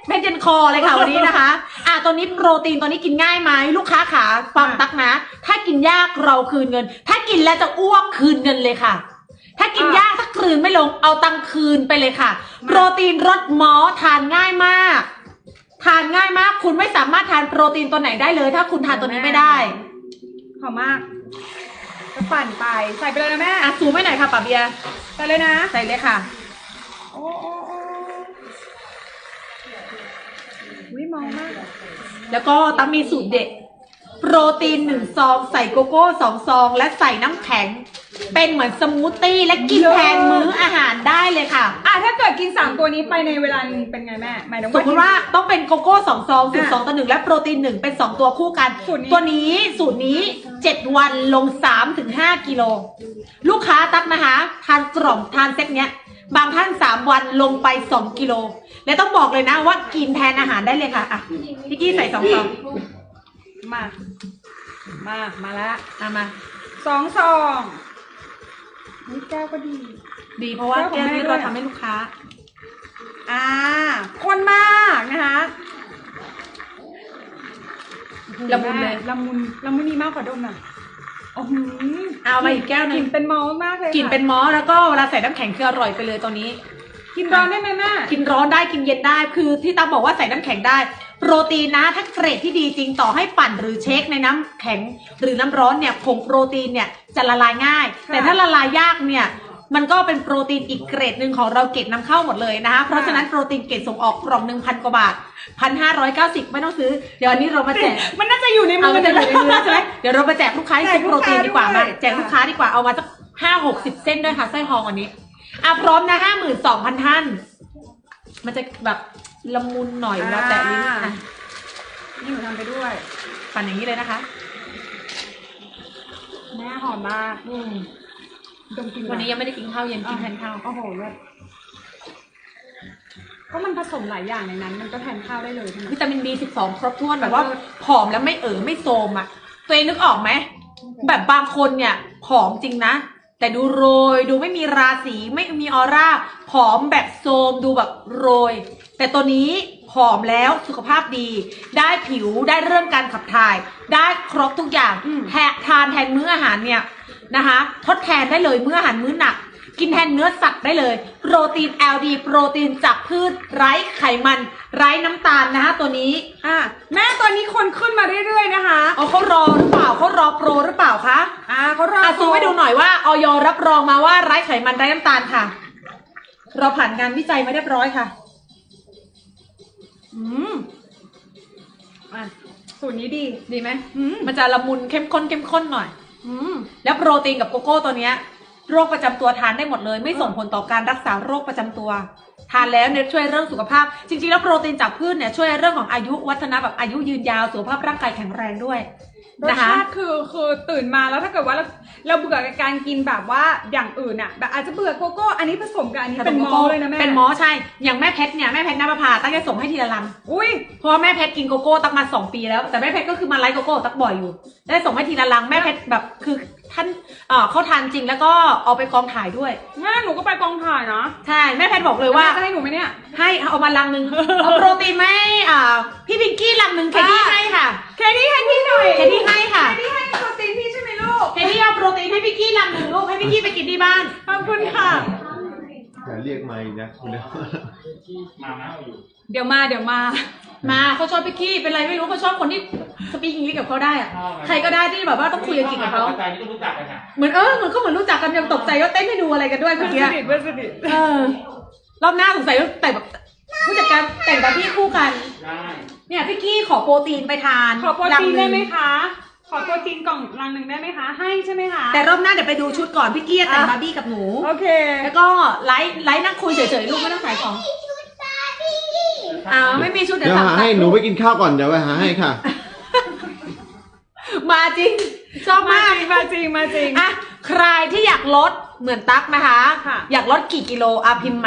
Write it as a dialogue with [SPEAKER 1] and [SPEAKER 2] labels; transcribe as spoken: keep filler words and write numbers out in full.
[SPEAKER 1] เพชรเย็นคอเลยค่ะวันนี้นะคะอ่ะตัวนี้โปรตีนตัวนี้กินง่ายไหมลูกค้าขาฟังตักนะ ถ้ากินยากเราคืนเงิน ถ้ากินแล้วจะอ้วกคืนเงินเลยค่ะ ถ้ากินยากถ้าคืนไม่ลงเอาตังคืนไปเลยค่ะ โปรตีนรสมอสทานง่ายมาก ทานง่ายมากคุณไม่สามารถทานโปรตีนตัวไหนได้เลย ถ้าคุณทานตัวนี้ไม่ได้
[SPEAKER 2] หอมมากจะปั่นไปใส่ไปเลยนะแม่
[SPEAKER 1] อ่ะซูมไม่หน่อยค่ะป้าเบียร์
[SPEAKER 2] ใส่เลยนะ
[SPEAKER 1] ใส่เลยค่ะ
[SPEAKER 2] โอ้โอ้โอ้วิมองมาก
[SPEAKER 1] แล้วก็ตั้มมีสูตรเด็ดโปรตีนหนึ่งซองใส่โกโก้สองซองและใส่น้ำแข็งเป็นเหมือนสมูทตี้และกินแทนมื้ออาหารได้เลยค่ะ
[SPEAKER 2] อ่ะถ้าเกิดกินสามตัวนี้ไปในเวลาเป็นไงแม่หมายถึง
[SPEAKER 1] สมมติว่าต้องเป็นโกโก้สองซองสูตรสองต่อหนึ่งและโปรตีนหนึ่งเป็นสองตัวคู่กันตัวนี้สูตรนี้เจ็ดวันลงสามถึงห้ากิโลลูกค้าตักนะคะทานกล่องทานเซ็ตเนี้ยบางท่านสามวันลงไปสองกิโลและต้องบอกเลยนะว่ากินแทนอาหารได้เลยค่ะอ่ะพี่กี้ใส่สองซอง
[SPEAKER 2] มามามาละ
[SPEAKER 1] เอามา
[SPEAKER 2] สองซองนี่แก้วก็ดี
[SPEAKER 1] ดีเพราะว่าแก้วนี้เราทำให้ลูกค้า
[SPEAKER 2] อ่าข้นมากนะคะ
[SPEAKER 1] ละมุนเลย
[SPEAKER 2] ละมุนละมุนนี่มากกว่าดมอ่ะโอ้โห
[SPEAKER 1] เอามาอีกแก้วนึง
[SPEAKER 2] กลิ่นเป็นมอสมากเลย
[SPEAKER 1] กลิ่นเป็นมอสแล้วก็เวลาใส่น้ำแข็งคืออร่อยไปเลยตัวนี้
[SPEAKER 2] กินร้อนได้ไหมแม่
[SPEAKER 1] กินร้อนได้กินเย็นได้คือที่ตาบอกว่าใส่น้ำแข็งได้โปรตีนนะถ้าเกรดที่ดีจริงต่อให้ปั่นหรือเช็คในน้ำแข็งหรือน้ำร้อนเนี่ยผงโปรตีนเนี่ยจะละลายง่ายแต่ถ้าละลายยากเนี่ยมันก็เป็นโปรตีนอีกเกรดหนึ่งของเราเกรดนำเข้าหมดเลยนะคะเพราะฉะนั้นโปรตีนเกรดส่งออกกล่องหนึ่งพันกว่าบาทพันห้าร้อยเก้าสิบไม่ต้องซื้อเดี๋ยวอันนี้เรามาแจก
[SPEAKER 2] มันน่าจะอยู่ในมือ
[SPEAKER 1] จะอยู่ในมือใช่ไหมเดี๋ยวเรามาแจกลูกค้าที่โปรตีนดีกว่ามาแจกลูกค้าดีกว่าเอามาสักห้าหกสิบเส้นด้วยค่ะไส้ทองอันนี้อ่ะพร้อมนะห้าหมื่นสองพันท่านมันจะแบบละมุนหน่อยแล้วแต่ลิ้นอ่ะ
[SPEAKER 2] นี่หนูทำไปด้วย
[SPEAKER 1] ปั่นอย่างนี้เลยนะคะ
[SPEAKER 2] แม่หอมมากอืมดมกิน
[SPEAKER 1] วันนี้ยังไม่ได้กินข้าวเย็นกินแทนข้าว
[SPEAKER 2] โอ้โหเลยก็มันผสมหลายอย่างในนั้นมันก็แทนข้าวได้เลย
[SPEAKER 1] วิตามิน บี สิบสอง ครบถ้วนแบบว่าผอมแล้วไม่เอ๋อไม่โทรมอ่ะตัวเองนึกออกไหมแบบบางคนเนี่ยผอมจริงนะแต่ดูโรยดูไม่มีราศีไม่มีออร่าผอมแบบโทรมดูแบบโรยแต่ตัวนี้ผอมแล้วสุขภาพดีได้ผิวได้เรื่องการขับถ่ายได้ครบทุกอย่างแทนทานแทนมื้ออาหารเนี่ยนะคะทดแทนได้เลยมื้ออาหารมื้อหนักกินแทนเนื้อสัตว์ได้เลยโปรตีน แอล ดี โปรตีนจากพืชไร้ไขมันไร้น้ำตาลนะคะตัวนี้
[SPEAKER 2] อ่ะแม่ตัวนี้คนขึ้นมาเรื่อยๆนะคะ
[SPEAKER 1] อ๋อเขารอหรือเปล่าเขารอโปรหรือเปล่าคะ
[SPEAKER 2] อ่าเขารอ
[SPEAKER 1] อ่ะซูมให้ดูหน่อยว่าออยรับรองมาว่าไร้ไขมันไร้น้ำตาลค่ะเราผ่านงานวิจัยมาเรียบร้อยค่ะ
[SPEAKER 2] อืมอ่ะสูตรนี้ดี
[SPEAKER 1] ดีไหมมันจะละมุนเข้มข้นเข้มข้นหน่อยอืมแล้วโปรตีนกับโกโก้ตัวเนี้ยโรคประจำตัวทานได้หมดเลยไม่ส่งผลต่อการรักษาโรคประจำตัวทานแล้วเนี่ยช่วยเรื่องสุขภาพจริงๆแล้วโปรตีนจากพืชเนี่ยช่วยเรื่องของอายุวัฒนะแบบอายุยืนยาวสุขภาพร่างกายแข็งแรงด้วย
[SPEAKER 2] รสชาติคือคือตื่นมาแล้วถ้าเกิดว่าเราเราเบื่อกับการกินแบบว่าอย่างอื่นอ่ะแบบอาจจะเบื่อโกโก้อันนี้ผสมกับอันนี้เป็นมอเลยนะแม่
[SPEAKER 1] เป็นมอใช่อย่างแม่เพชรเนี่ยแม่เพชรน้ำประพาตั้งใจส่งให้ทีละลัง
[SPEAKER 2] อุ้ย
[SPEAKER 1] เพราะแม่เพชรกินโกโก้ตั้งมาสองปีแล้วแต่แม่เพชรก็คือมาไลฟ์โกโก้ตั้งบ่อยอยู่ได้ส่งให้ทีละลังแม่เพชรแบบคือท่านเอ่อเขาทานจริงแล้วก็เอาไปกองถ่ายด้วย
[SPEAKER 2] แม่หนูก็ไปกองถ่ายนะ
[SPEAKER 1] ใช่แม่เพชรบอกเลยว่า
[SPEAKER 2] จะให้หนูไหมเนี่ย
[SPEAKER 1] ให้เอามาลังนึงเอาโปรตีนไหมอ่าพี่พิงกี้ลังนึงเคที่ให้ค่ะ
[SPEAKER 2] เคที่ให้พี่หน่อย
[SPEAKER 1] เคที่ให้ค่ะ
[SPEAKER 2] เคที่ให้โปรตีนพี่ใช่ไหมลูก
[SPEAKER 1] เคที่เอาโปรตีนให้พี่กี้ลังนึงลูกให้พี่กี้ไปกินที่บ้าน
[SPEAKER 2] ขอบคุณค่ะ
[SPEAKER 3] อย่าเรียกไม่นะคุณเดี๋ยว
[SPEAKER 2] มาเดี๋ยวมาเดี๋ยวมา
[SPEAKER 1] มาเขาชอบพี่กี้เป็นไรไม่รู้เขาชอบคนที่สปีกอังกฤษกับเขาได้อะใครก็ได้ที่แบบว่าต้องคุยอังกฤษกับเขาเหมือนเออเหมือนก็เหมือนรู้จักกันยังตกใจว่าเต้นให้ดูอะไรกันด้วยเมื่อกี้
[SPEAKER 2] สนิทเพื่อนสนิท
[SPEAKER 1] เออรอบหน้าสงสัยแต่แบบผู้จัดการแต่งกับพี่คู่กันเนี่ยพี่กี้ขอโปรตีนไปทาน
[SPEAKER 2] ขอโปรตีนได้ไหมคะขอโปรตีนกล่องลังหนึ่งได้ไหมคะให้ใช่ไหมคะ
[SPEAKER 1] แต่รอบหน้าเดี๋ยวไปดูชุดก่อนพี่กี้แต่งบาร์บี้กับหนู
[SPEAKER 2] โอเค
[SPEAKER 1] แล้วก็ไลฟ์ไลฟ์นั่งคุยเฉยๆลูกไม่ต้องขายของอ้าวไม่มีชุด
[SPEAKER 3] เดี๋ยวหาให้หนูไปกินข้าวก่อนเดี๋ยวไปหาให้ค่ะ
[SPEAKER 1] มาจริงชอบมาก
[SPEAKER 2] มาจริงมาจริง
[SPEAKER 1] อ่ะใครที่อยากลดเหมือนตั๊กนะคะอยากลดกี่กิโลอ่ะพิมพ์